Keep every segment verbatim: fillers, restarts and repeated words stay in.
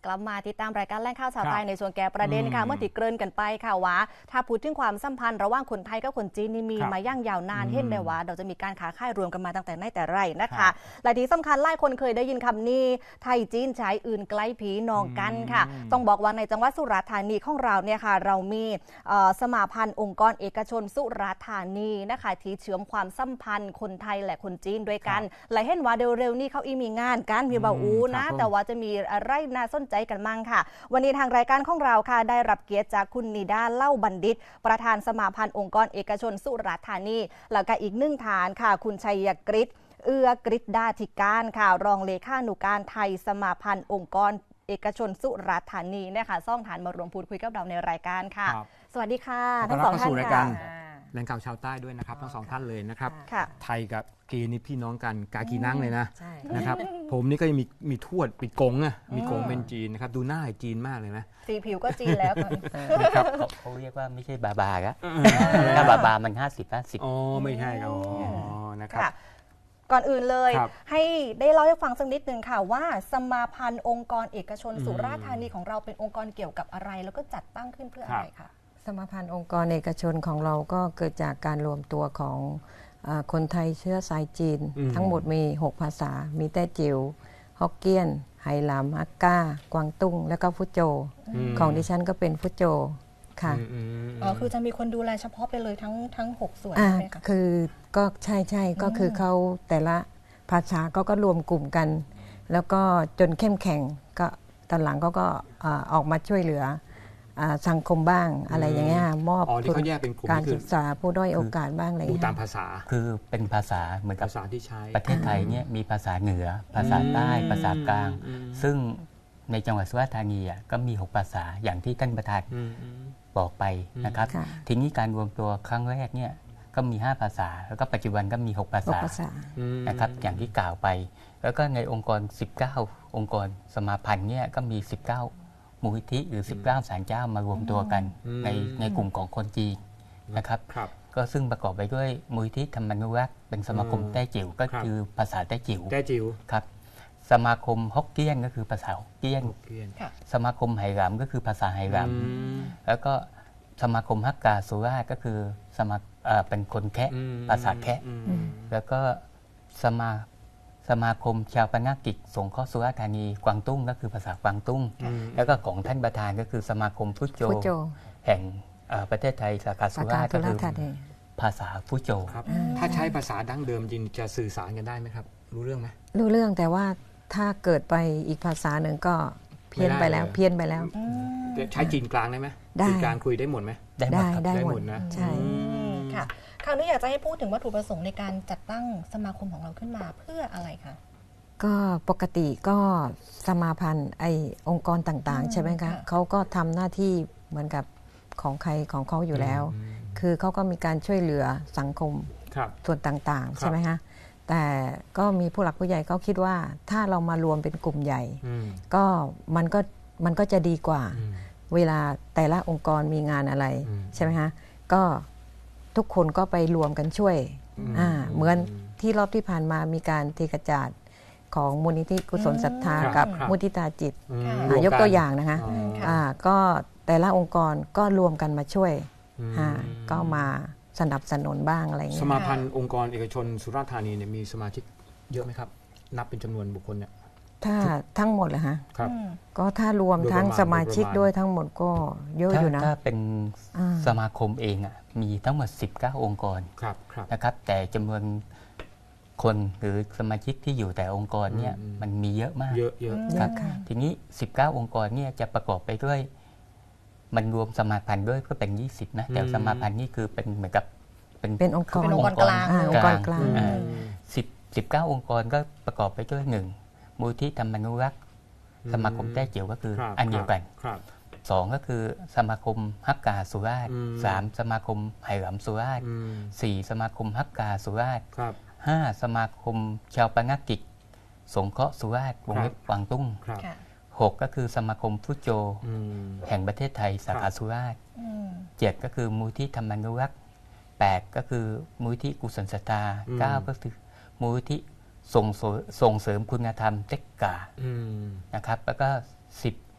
กลับมาติดตามรายการแล่งข่าวชาวไทยในส่วนแก่ประเด็นค่ะเมื่อติดเกริ่นกันไปค่ะว่าถ้าพูดถึงความสัมพันธ์ระหว่างคนไทยกับคนจีนนี่มีมาย่างยาวนานเห็นได้ว่าเราจะมีการค้าขายรวมกันมาตั้งแต่ไหนแต่ไรนะคะและที่สำคัญหลายคนเคยได้ยินคำนี้ไทยจีนชายอื่นใกล้ผีนองกันค่ะต้องบอกว่าในจังหวัดสุราษฎร์ธานีของเราเนี่ยค่ะเรามีสมาพันธ์องค์กรเอกชนสุราษฎร์ธานีนะคะที่เชื่อมความสัมพันธ์คนไทยและคนจีนด้วยกันและเห็นว่าเร็วๆนี้เขาอีมีงานกันมีบ่าวอูนะแต่ว่าจะมีอะไรน่าสนใจกันมั่งค่ะวันนี้ทางรายการของเราค่ะได้รับเกียรติจากคุณนิดาเล่าบัณฑิตประธานสมาพันธ์องค์กรเอกชนสุราษฎร์ธานีแล้วก็อีกหนึ่งฐานค่ะคุณชัยกฤษเอื้อกฤษดาธิการค่ะรองเลขานุการไทยสมาพันธ์องค์กรเอกชนสุราษฎร์ธานีนะคะซ่องฐานมารวมพูดคุยกับเราในรายการค่ะสวัสดีค่ะทั้งสองท่านค่ะแรงข่าวชาวใต้ด้วยนะครับทั้งสองท่านเลยนะครับไทยกับกีนี่พี่น้องกันกากีนั่งเลยนะนะครับผมนี่ก็ยังมีมีทวดปีกงอ่ะมีกงเป็นจีนนะครับดูหน้าจีนมากเลยนะสีผิวก็จีนแล้วครับเขาเรียกว่าไม่ใช่บาบาครับถ้าบาบามันห้าสิบห้าสิบอ๋อไม่ใช่อ๋อนะครับก่อนอื่นเลยให้ได้เล่าให้ฟังสักนิดนึงค่ะว่าสมาพันธ์องค์กรเอกชนสุราษฎร์ธานีของเราเป็นองค์กรเกี่ยวกับอะไรแล้วก็จัดตั้งขึ้นเพื่ออะไรคะสมาพันธ์องค์กรเอกชนของเราก็เกิดจากการรวมตัวของคนไทยเชื้อสายจีนทั้งหมดมีหกภาษามีแต้จิ๋วฮอกเกี้ยนไหหลำฮักก้ากวางตุ้งแล้วก็ฟุโจของดิฉันก็เป็นฟุโจค่ะอ๋อคือจะมีคนดูแลเฉพาะไปเลยทั้งทั้งหกส่วนใช่ไหมคะคือก็ใช่ใช่ก็คือเขาแต่ละภาษาก็ก็รวมกลุ่มกันแล้วก็จนเข้มแข็งก็ตอนหลังก็ก็ออกมาช่วยเหลือสังคมบ้างอะไรอย่างเงี้ยมอบทุนการศึกษาผู้ด้อยโอกาสบ้างอะไรอย่างเงี้ยตามภาษาคือเป็นภาษาเหมือนกับภาษาที่ใช้ประเทศไทยเนี่ยมีภาษาเหนือภาษาใต้ภาษากลางซึ่งในจังหวัดสุราษฎร์ธานีก็มีหกภาษาอย่างที่ท่านประธานบอกไปนะครับทีนี้การรวมตัวครั้งแรกเนี่ยก็มีห้าภาษาแล้วก็ปัจจุบันก็มีหกภาษานะครับอย่างที่กล่าวไปแล้วก็ในองค์กรสิบเก้าองค์กรสมาพันธ์เนี่ยก็มีสิบเก้ามูลนิธิหรือสิบเก้าศาลเจ้ามารวมตัวกันในในกลุ่มของคนจีนนะครับก็ซึ่งประกอบไปด้วยมูลนิธิธรรมานุรักษ์เป็นสมาคมแต้จิ๋วก็คือภาษาแต้จิ๋วแต้จิ๋วครับสมาคมฮกเกี้ยนก็คือภาษาฮกเกี้ยนสมาคมไหหลำก็คือภาษาไหหลำแล้วก็สมาคมฮักกาสุราษฎร์ก็คือสมาเป็นคนแคะภาษาแคะแล้วก็สมาสมาคมชาวปนกิจสงเคราะห์สุราษฎร์ธานีกวางตุ้งก็คือภาษากวางตุ้งแล้วก็ของท่านประธานก็คือสมาคมฟุโจแห่งประเทศไทยสาขาสุราษฎร์ก็คือภาษาฟุโจครับถ้าใช้ภาษาดั้งเดิมจริงจะสื่อสารกันได้ไหมครับรู้เรื่องไหมรู้เรื่องแต่ว่าถ้าเกิดไปอีกภาษาหนึ่งก็เพี้ยนไปแล้วเพี้ยนไปแล้วใช้จีนกลางได้ไหมจีนกลางคุยได้หมดไหมได้ได้หมดนะใช่ค่ะคราวนี้อยากจะให้พูดถึงวัตถุประสงค์ในการจัดตั้งสมาคมของเราขึ้นมาเพื่ออะไรคะก็ปกติก็สมาพันธ์ไอองค์กรต่างๆใช่ไหมคะเขาก็ทำหน้าที่เหมือนกับของใครของเขาอยู่แล้วคือเขาก็มีการช่วยเหลือสังคมส่วนต่างๆใช่ไหมคะแต่ก็มีผู้หลักผู้ใหญ่เขาคิดว่าถ้าเรามารวมเป็นกลุ่มใหญ่ก็มันก็มันก็จะดีกว่าเวลาแต่ละองค์กรมีงานอะไรใช่ไหมคะก็ทุกคนก็ไปรวมกันช่วยอ่าเหมือนที่รอบที่ผ่านมามีการเทกระจาดของมูลนิธิกุศลศรัทธากับมุทิตาจิตยกตัวอย่างนะคะอ่าก็แต่ละองค์กรก็รวมกันมาช่วยอ่าก็มาสนับสนุนบ้างอะไรอย่างเงี้ยสมาพันธ์องค์กรเอกชนสุราษฎร์ธานีเนี่ยมีสมาชิกเยอะไหมครับนับเป็นจำนวนบุคคลเนี่ยถ้าทั้งหมดเหรอฮะก็ถ้ารวมทั้งสมาชิกด้วยทั้งหมดก็เยอะอยู่นะถ้าเป็นสมาคมเองอ่ะมีทั้งหมดสิบเก้าองค์กรนะครับแต่จำนวนคนหรือสมาชิกที่อยู่แต่องค์กรเนี่ยมันมีเยอะมากเยอะเยอะครับทีนี้สิบเก้าองค์กรเนี่ยจะประกอบไปด้วยมันรวมสมาพันธ์ด้วยก็เป็นยี่สิบนะแต่สมาพันธ์นี่คือเป็นเหมือนกับเป็นเป็นองค์กรองค์กรกลางสิบสิบเก้าองค์กรก็ประกอบไปด้วยหนึ่งมูลที่ธรรมานุรักษ์สมาคมแต้จิ๋วก็คืออันเดียวกันสองก็คือสมาคมฮักกาสุราษฎร์สามสมาคมไหหลำสุราษฎร์สี่สมาคมฮักกาสุราษฎร์ห้าสมาคมชาวปนกิจสงเคราะห์สุราษฎร์วงเล็บกวางตุ้งหกก็คือสมาคมฟุโจแห่งประเทศไทยสาขาสุราษฎร์เจ็ดก็คือมูลที่ธรรมานุรักษ์แปดก็คือมูลที่กุศลศรัทธาเก้าก็คือมูลที่ส่งส่งเสริมคุณธรรมเต็กกานะครับแล้วก็สิบ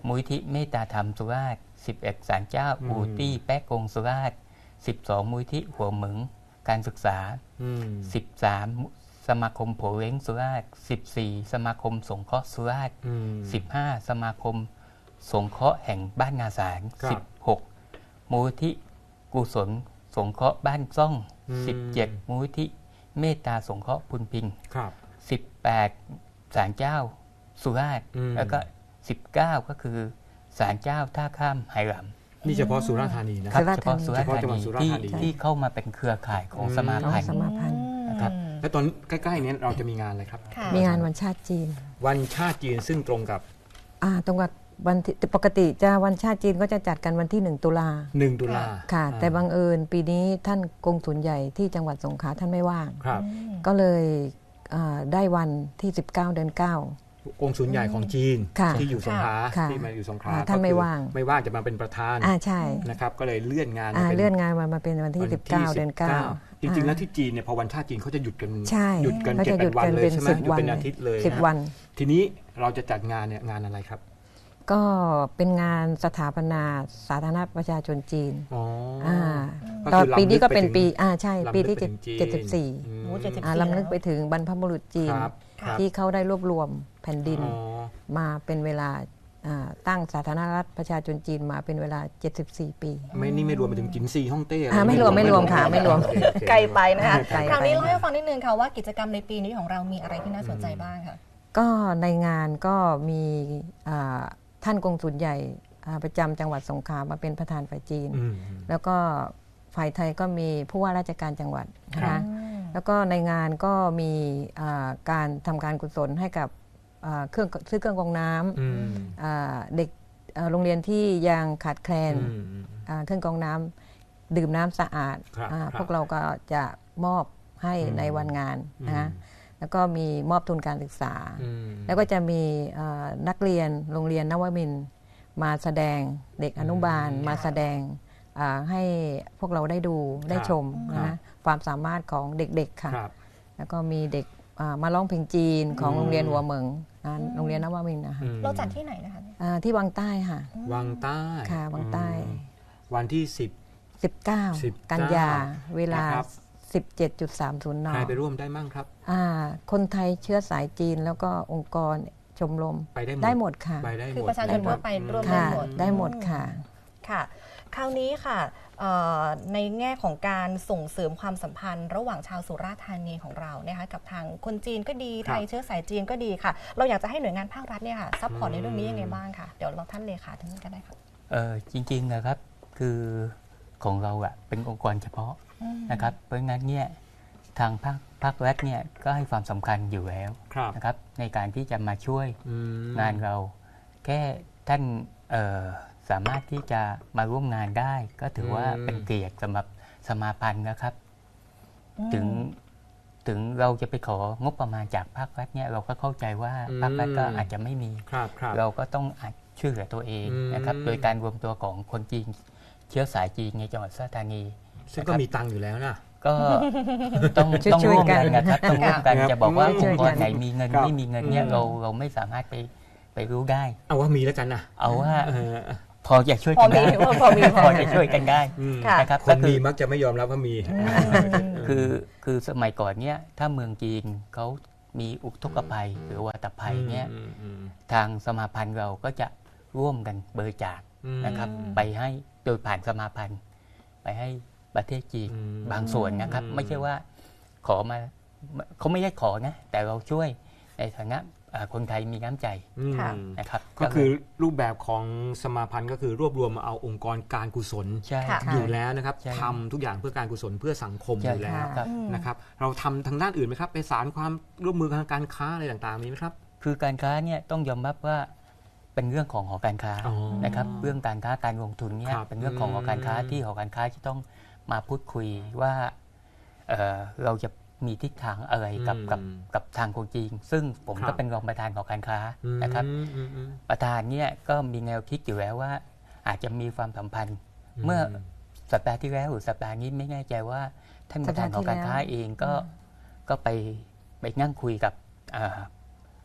มูลที่เมตตาธรรมสุราษฎร์สิบเอ็ดศาลเจ้าอู่ตี้แป๊กกงสุราษฎร์สิบสองมูลที่หัวเหมึงการศึกษาสิบสามสมาคมโผเล้งสุราษฎร์สิบสี่สมาคมสงเคราะห์สุราษฎร์สิบห้าสมาคมสงเคราะห์แห่งบ้านงาสารสิบหกมูลที่กุศลสงเคราะห์บ้านซ่องสิบเจ็ดมูลที่เมตตาสงเคราะห์พุนพิงสิบแปดศาลเจ้าสุราษฎร์แล้วก็สิบเก้าก็คือศาลเจ้าท่าข้ามไหหลำนี่เฉพาะสุราษฎร์ธานีนะครับเฉพาะสุราษฎร์ธานีที่ที่เข้ามาเป็นเครือข่ายของสมาพันธ์นะครับและตอนใกล้ๆนี้เราจะมีงานอะไรครับมีงานวันชาติจีนวันชาติจีนซึ่งตรงกับอ่าตรงกับวันปกติจะวันชาติจีนก็จะจัดกันวันที่หนึ่งตุลาหนึ่งตุลาค่ะแต่บังเอิญปีนี้ท่านกงสุลใหญ่ที่จังหวัดสงขลาท่านไม่ว่างก็เลยได้วันที่สิบเก้าเดือนเก้ากงสุลใหญ่ของจีนที่อยู่สงขลาที่มาอยู่สงขลาท่านไม่ว่างไม่ว่างจะมาเป็นประธานอ่าใช่นะครับก็เลยเลื่อนงานเลื่อนงานมามาเป็นวันที่สิบเก้าเดือนเก้าจริงๆแล้วที่จีนเนี่ยพอวันชาติจีนเขาจะหยุดกันหยุดกันเจ็ดวันเลยใช่ไหมหยุดเป็นอาทิตย์เลยสิบวันทีนี้เราจะจัดงานเนี่ยงานอะไรครับก็เป็นงานสถาปนาสาธารณประชาชนจีนอ๋อตอนปีนี้ก็เป็นปีอ่าใช่ปีที่เจ็ดสิบสี่ลำลึกไปถึงบรรพบุรุษจีนที่เขาได้รวบรวมแผ่นดินมาเป็นเวลาตั้งสาธารณรัฐประชาชนจีนมาเป็นเวลาเจ็ดสิบสี่ปีไม่นี่ไม่รวมไปถึงจินซีฮ่องเต้ไม่รวมไม่รวมค่ะไม่รวมไกลไปนะคะคราวนี้เล่าให้ฟังนิดนึงค่ะว่ากิจกรรมในปีนี้ของเรามีอะไรที่น่าสนใจบ้างค่ะก็ในงานก็มีท่านกงสุลใหญ่ประจำจังหวัดสงขลามาเป็นประธานฝ่ายจีนแล้วก็ฝ่ายไทยก็มีผู้ว่าราชการจังหวัดนะคะแล้วก็ในงานก็มีการทำการกุศลให้กับเครื่องซื้อเครื่องกรองน้ำเด็กโรงเรียนที่ยังขาดแคลนเครื่องกรองน้ำดื่มน้ำสะอาดพวกเราก็จะมอบให้ในวันงานนะแล้วก็มีมอบทุนการศึกษาแล้วก็จะมีนักเรียนโรงเรียนนวมินทร์มาแสดงเด็กอนุบาลมาแสดงให้พวกเราได้ดูได้ชมนะความสามารถของเด็กๆค่ะแล้วก็มีเด็กมาร้องเพลงจีนของโรงเรียนหัวเหมิงโรงเรียนนวมินทร์นะคะเราจัดที่ไหนนะคะที่วังใต้ค่ะวังใต้ค่ะวังใต้วันที่สิบสิบเก้ากันยาเวลาสิบเจ็ดจุดสามศูนย์ น. ใครไปร่วมได้มั่งครับคนไทยเชื้อสายจีนแล้วก็องค์กรชมรมไปได้ได้หมดค่ะคือประชาชนทั่วไปร่วมได้หมดได้หมดค่ะค่ะคราวนี้ค่ะในแง่ของการส่งเสริมความสัมพันธ์ระหว่างชาวสุราษฎร์ธานีของเรานะคะกับทางคนจีนก็ดีไทยเชื้อสายจีนก็ดีค่ะเราอยากจะให้หน่วยงานภาครัฐเนี่ยค่ะซัพพอร์ตในเรื่องนี้ยังไงบ้างค่ะเดี๋ยวเราท่านเลขาท่านกันได้ค่ะเออจริงๆนะครับคือของเราอะเป็นองค์กรเฉพาะนะครับเพราะงั้นเนี่ยทางภาคภาครัฐเนี่ยก็ให้ความสำคัญอยู่แล้วนะครับในการที่จะมาช่วยงานเราแค่ท่านสามารถที่จะมาร่วมงานได้ก็ถือว่าเป็นเกียรติสำหรับสมาพันธ์นะครับถึงถึงเราจะไปของบประมาณจากภาครัฐเนี่ยเราก็เข้าใจว่าภาครัฐก็อาจจะไม่มีเราก็ต้องอาจช่วยเหลือตัวเองนะครับโดยการรวมตัวของคนจีนเชื้อสายจีนในจังหวัดสุราษฎร์ธานีซึ่งก็มีตังอยู่แล้วนะก็ต้องต้องร่วมกันนะครับต้องร่วมกันจะบอกว่าองค์กรไหนมีเงินไม่มีเงินเนี่ยเราเราไม่สามารถไปไปรู้ได้เอาว่ามีแล้วกันนะเอาว่าพอจะช่วยกันได้พอมีพอจะช่วยกันได้นะครับคนมีมักจะไม่ยอมรับว่ามีคือคือสมัยก่อนเนี่ยถ้าเมืองจีนเขามีอุทกภัยหรือวัตภัยเนี่ยทางสมาพันธ์เราก็จะร่วมกันบริจาคนะครับไปให้โดยผ่านสมาพันธ์ไปให้ประเทศจีนบางส่วนนะครับไม่ใช่ว่าขอมาเขาไม่ได้ขอนะแต่เราช่วยในฐานะคนไทยมีน้ำใจนะครับก็คือรูปแบบของสมาพันธ์ก็คือรวบรวมมาเอาองค์กรการกุศลอยู่แล้วนะครับทำทุกอย่างเพื่อการกุศลเพื่อสังคมอยู่แล้วนะครับเราทำทางด้านอื่นไหมครับไปสานความร่วมมือทางการค้าอะไรต่างๆมีไหมครับคือการค้าเนี่ยต้องยอมรับว่าเป็นเรื่องของหอการค้านะครับเรื่องการค้าการลงทุนเนี่ยเป็นเรื่องของหอการค้าที่หอการค้าจะต้องมาพูดคุยว่าเ, เราจะมีทิศทางอะไรกับกับกับทางคนจีนซึ่งผมก็เป็นรองประธานของการค้านะครับประธานเนี่ยก็มีแนวคิดอยู่แล้วว่าอาจจะมีความสัมพันธ์เมื่อสัปดาห์ที่แล้วหรือสัปดาห์นี้ไม่แน่ใจว่าท่านประธานของการค้าเองก็ก็ไปไปนั่งคุยกับท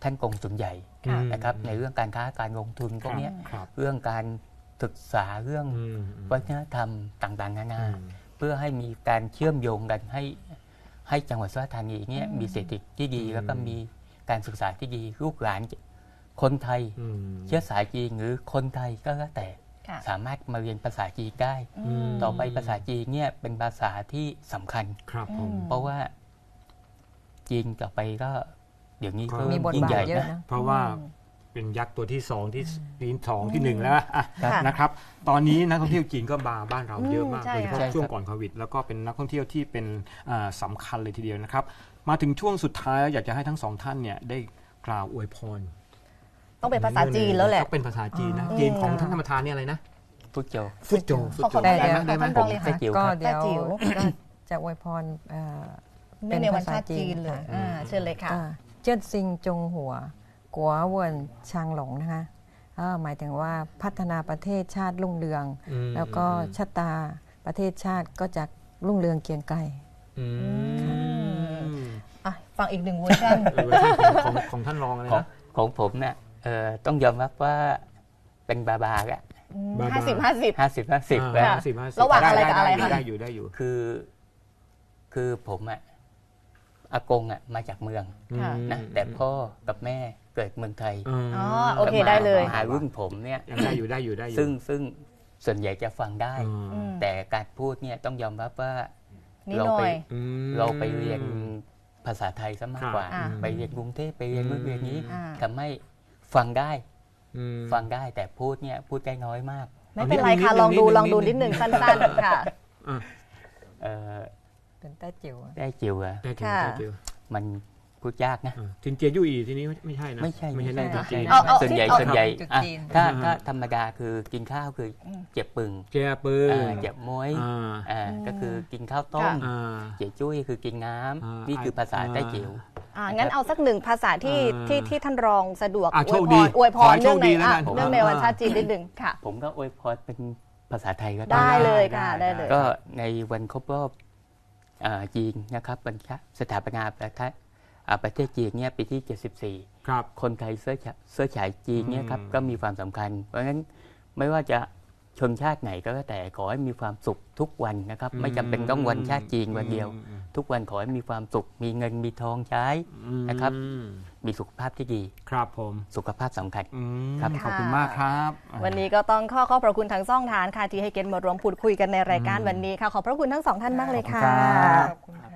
ท่านกงสุลใหญ่นะครับในเรื่องการค้าการลงทุนพวกนี้เรื่องการศึกษาเรื่องวัฒนธรรมต่างๆนานาเพื่อให้มีการเชื่อมโยงกันให้ให้จังหวัดสุราษฎร์ธานีเนี่ยมีเศรษฐกิจที่ดีแล้วก็มีการศึกษาที่ดีลูกหลานคนไทยเชื้อสายจีนหรือคนไทยก็แล้วแต่สามารถมาเรียนภาษาจีนได้ต่อไปภาษาจีนเนี่ยเป็นภาษาที่สำคัญเพราะว่าจีนต่อไปก็เดี๋ยวนี้ก็ยิ่งใหญ่นะเพราะว่าเป็นยักษ์ตัวที่สองที่ที่สองที่หนึ่งแล้วนะครับตอนนี้นักท่องเที่ยวจีนก็มาบ้านเราเยอะมากโดยเฉพาะช่วงก่อนโควิดแล้วก็เป็นนักท่องเที่ยวที่เป็นสำคัญเลยทีเดียวนะครับมาถึงช่วงสุดท้ายอยากจะให้ทั้งสองท่านเนี่ยได้กล่าวอวยพรต้องเป็นภาษาจีนแล้วแหละเป็นภาษาจีนนะจีนของท่านธรรมทานนี่อะไรนะฟุตโจฟุตโจฟุตโจได้ไหมได้ไหมผมก็เดี๋ยวจะอวยพรเป็นในวันชาติจีนเลยเชิญเลยค่ะเจิ้นซิงจงหัวกัวเวินชางหลงนะคะหมายถึงว่าพัฒนาประเทศชาติรุ่งเรืองแล้วก็ชะตาประเทศชาติก็จะรุ่งเรืองเกียงไกรฟังอีกหนึ่งเวอร์ชันของท่านรองเลยนะของผมเนี่ยต้องยอมรับว่าเป็นบาบาอะห้าสิบห้าสิบห้าสิบห้าสิบระหว่างอะไรกับอะไรคะได้อยู่ได้อยู่คือคือผมอะอากงอ่ะมาจากเมืองนะแต่พ่อกับแม่เกิดเมืองไทยอ๋อโอเคได้เลยหารุ่นผมเนี่ยยังได้อยู่ได้อยู่ได้อยู่ซึ่งซึ่งส่วนใหญ่จะฟังได้แต่การพูดเนี่ยต้องยอมรับว่าเราไปเราไปเรียนภาษาไทยซะมากกว่าไปเรียนกรุงเทพไปเรียนเมื่อเรียนนี้ทำให้ฟังได้ฟังได้แต่พูดเนี่ยพูดได้น้อยมากไม่เป็นไรค่ะลองดูลองดูนิดหนึ่งสั้นๆค่ะเป็นแต้จิ๋วแต้จิ๋วอะมันพูดยากนะจินเจียยู่อีทีนี้ไม่ใช่นะไม่ใช่ไม่ใช่ไม่ใช่ส่วนใหญ่ส่วนใหญ่ถ้าถ้าธรรมดาคือกินข้าวคือเจ็บปึงเจ็บปึงเจ็บม้วยก็คือกินข้าวต้มเจ็บจุ้ยคือกินน้ำนี่คือภาษาแต้จิ๋วงั้นเอาสักหนึ่งภาษาที่ที่ที่ท่านรองสะดวกอวยพรอวยพรเรื่องในเรื่องในวันชาติจีนนิดหนึ่งค่ะผมก็อวยพรเป็นภาษาไทยก็ได้เลยค่ะได้เลยก็ในวันครบรอบจีนนะครับวันสถาปนาประเทศประเทศจีนเนี่ยปีที่เจ็ดสิบสี่ครับคนไทยเสื้อเสื้อฉายจีนเนี่ยครับก็มีความสำคัญเพราะฉะนั้นไม่ว่าจะชนชาติไหนก็แล้วแต่ขอให้มีความสุขทุกวันนะครับไม่จำเป็นต้องวันชาติจีนวันเดียวทุกวันขอให้มีความสุขมีเงินมีทองใช้นะครับมีสุขภาพที่ดีครับผมสุขภาพสำคัญครับขอบคุณมากครับวันนี้ก็ต้องขอขอบพระคุณทั้งสองท่านค่ะที่ให้เกียรติมาร่วมพูดคุยกันในรายการวันนี้ค่ะขอบพระคุณทั้งสองท่านมากเลยค่ะ